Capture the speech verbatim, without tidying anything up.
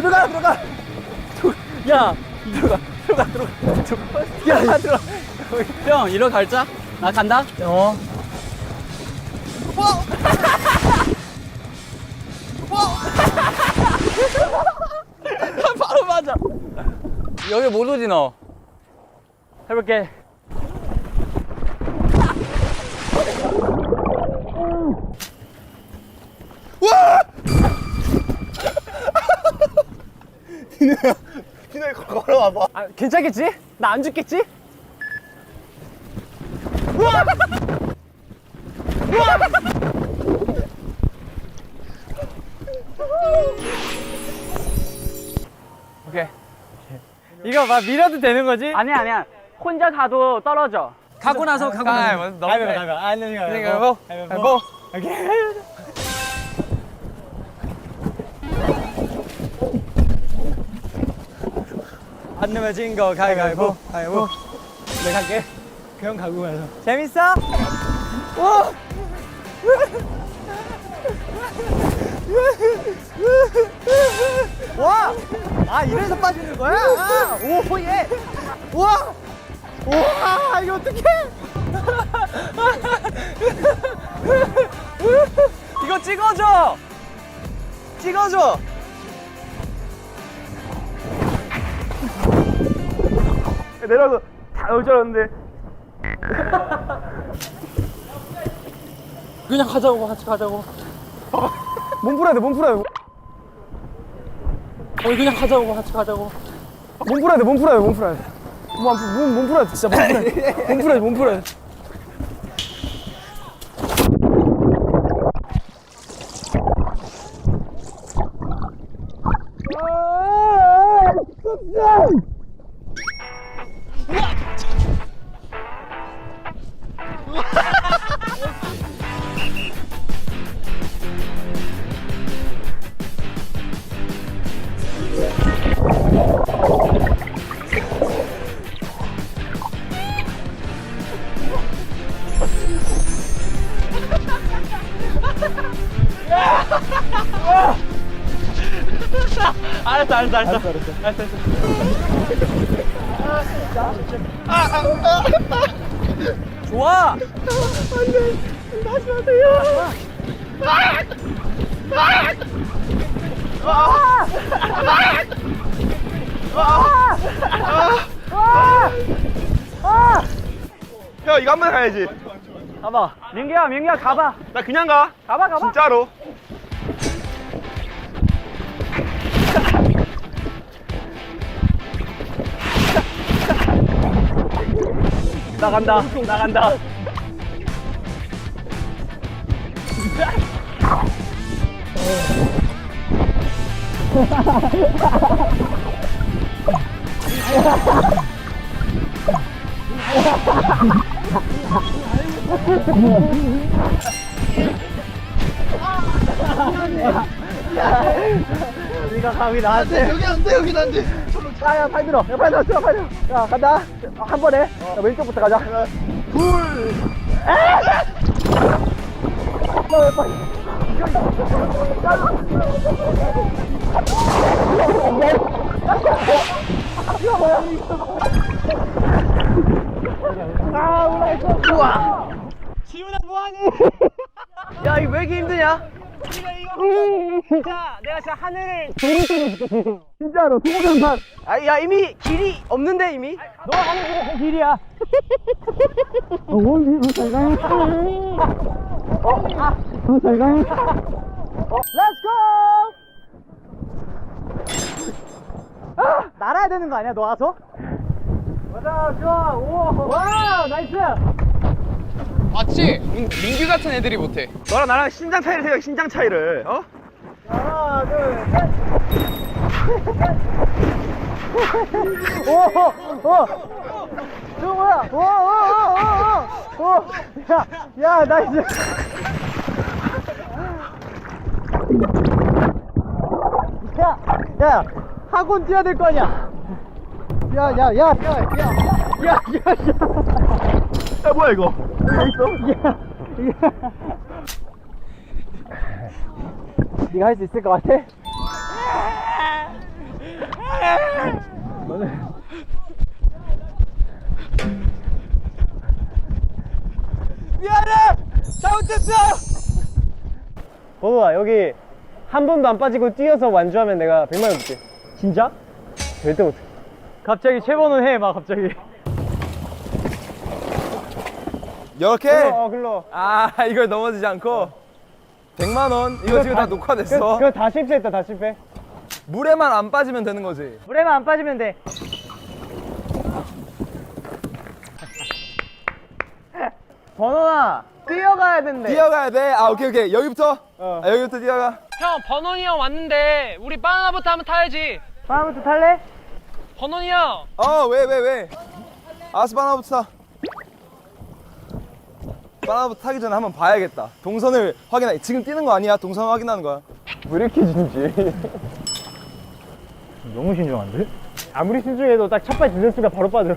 들어가 들어가. 야 들어가 들어가 들어가. 야 들어가. 형 이리로 갈자. 나 간다. 어. 바로 맞아. 여기 못 오지 너. 해볼게. 디노야, 디노야 걸어와봐. 아, 괜찮겠지? 나 안 죽겠지? 오케이. 이거 막 밀어도 되는 거지? 아니야 아니야. 혼자 가도 떨어져. 가고 나서 가고 나서. 가위바위보, 가위바위보, 가위바위보. 아니, 가위바위보. 가위바위보. 오케이. 안 내면 진거 가위바위보. 가위바위보. 내가 할게. 그형 가고 가서. 재밌어? 오! 와! 아, 이래서 빠지는 거야? 아, 오, 예! 우와! 우와, 이거 어떡해! 이거 찍어줘! 찍어줘! 내려서 다 나올 줄 알았는데. 그냥 가자고, 같이 가자고. 몸 풀어야 돼, 몸 풀어야 돼. 어, 그냥 가자고, 같이 가자고. 몸 풀어야 돼, 몸 풀어야 돼, 몸 풀어야 돼. 몸, 안 풀- 몸, 몸 풀어야 돼, 진짜 몸 풀어야 돼. 몸 풀어야 돼, 몸 풀어야 돼. 알았어 알았어 알았어. 알았어, 알았어. 좋아! 형 이거 한 번 가야지. 가봐. 민규야, 민규야, 가봐. 나 그냥 가. 가봐, 가봐. 진짜로. 나간다, 나간다. 네가 감히 나한테. 여기 안 돼, 여기 안 돼. 야, 야, 팔 들어. 야, 팔 들어, 들어, 팔 들어. 야, 간다. 한 번에. 야, 왼쪽부터 가자. 둘. 야, 빨리. 이거 뭐야? 아, 올라갔어. 우와. 지훈아, 뭐하니? 야, 이거 왜 이렇게 힘드냐? 진짜 내가 진짜 하늘을 진짜로 소금산. 아, 야 이미 길이 없는데 이미. 너가 가는 길이 그 길이야. 어, 원기 잘 가요. 어, 아, 어, 잘 가요. 어, Let's go. 아, 날아야 되는 거 아니야, 너 와서? 맞아, 좋아. 오, 와, 나이스. 맞지? 민, 민규 같은 애들이 못해. 너랑 나랑 신장 차이를 생각해. 신장 차이를. 어? 하나, 둘, 셋. 오, 오, 저거 뭐야? 오, 오, 오, 오, 오. 야, 야, 나이스. 야, 야, 학원 뛰어야 될 거 아니야? 야, 야, 야, 야, 야, 야, 야, 야. 야, 뭐야 이거? 여기 있어? 야, 야. 네가 할 수 있을 것 같아? 미안해! 잘못했어! 버도아, 여기 한 번도 안 빠지고 뛰어서 완주하면 내가 백만 원 줄게. 진짜? 절대 못해. 갑자기 최번호 해, 막 갑자기. 이렇게? 글러, 어, 글러. 아, 이걸 넘어지지 않고 백만 원? 이거 지금 다 녹화됐어. 그거, 그거 다 실패했다, 다 실패. 물에만 안 빠지면 되는 거지. 물에만 안 빠지면 돼. 번호나 뛰어가야 된대. 뛰어가야 돼. 아, 오케이, 오케이. 여기부터? 어. 아, 여기부터 뛰어가. 형, 버논이 형 왔는데 우리 바나나부터 한번 타야지. 바나부터 탈래? 버논이 형. 어, 왜, 왜, 왜? 알았어, 바나부터 타. 바나부터 타기 전에 한번 봐야겠다. 동선을 확인해. 지금 뛰는 거 아니야? 동선 확인하는 거야. 왜 이렇게 진지? 너무 신중한데? 아무리 신중해도 딱 첫 발 디센스가 바로 빠져.